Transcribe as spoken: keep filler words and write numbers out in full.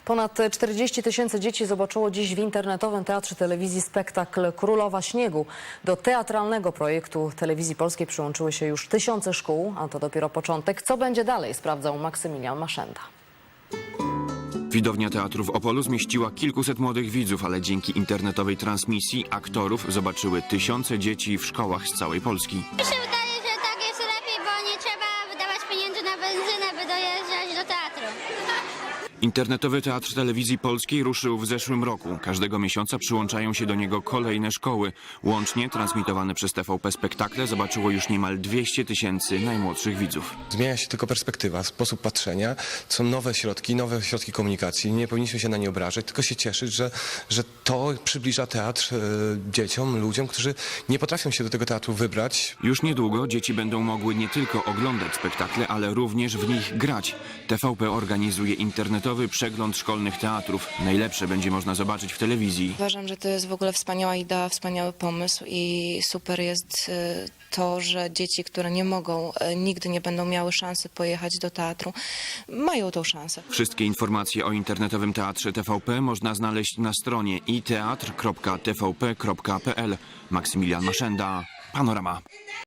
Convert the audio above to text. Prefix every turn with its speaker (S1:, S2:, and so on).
S1: Ponad czterdzieści tysięcy dzieci zobaczyło dziś w internetowym Teatrze Telewizji spektakl Królowa Śniegu. Do teatralnego projektu Telewizji Polskiej przyłączyły się już tysiące szkół, a to dopiero początek. Co będzie dalej, sprawdzał Maksymilian Maszenda.
S2: Widownia teatru w Opolu zmieściła kilkuset młodych widzów, ale dzięki internetowej transmisji aktorów zobaczyły tysiące dzieci w szkołach z całej Polski.
S3: Mi się wydaje, że tak jest lepiej, bo nie trzeba wydawać pieniędzy na benzynę, by dojeżdżać do teatru.
S2: Internetowy Teatr Telewizji Polskiej ruszył w zeszłym roku. Każdego miesiąca przyłączają się do niego kolejne szkoły. Łącznie transmitowane przez T V P spektakle zobaczyło już niemal dwieście tysięcy najmłodszych widzów.
S4: Zmienia się tylko perspektywa, sposób patrzenia. Są nowe środki, nowe środki komunikacji. Nie powinniśmy się na nie obrażać, tylko się cieszyć, że, że to przybliża teatr e, dzieciom, ludziom, którzy nie potrafią się do tego teatru wybrać.
S2: Już niedługo dzieci będą mogły nie tylko oglądać spektakle, ale również w nich grać. T V P organizuje internetowy przegląd szkolnych teatrów. Najlepsze będzie można zobaczyć w telewizji.
S5: Uważam, że to jest w ogóle wspaniała idea, wspaniały pomysł i super jest y, to, że dzieci, które nie mogą, y, nigdy nie będą miały szansy pojechać do teatru, mają tą szansę.
S2: Wszystkie informacje o internetowym teatrze T V P można znaleźć na stronie i teatr kropka t v p kropka p l. Maksymilian Maszenda, Panorama.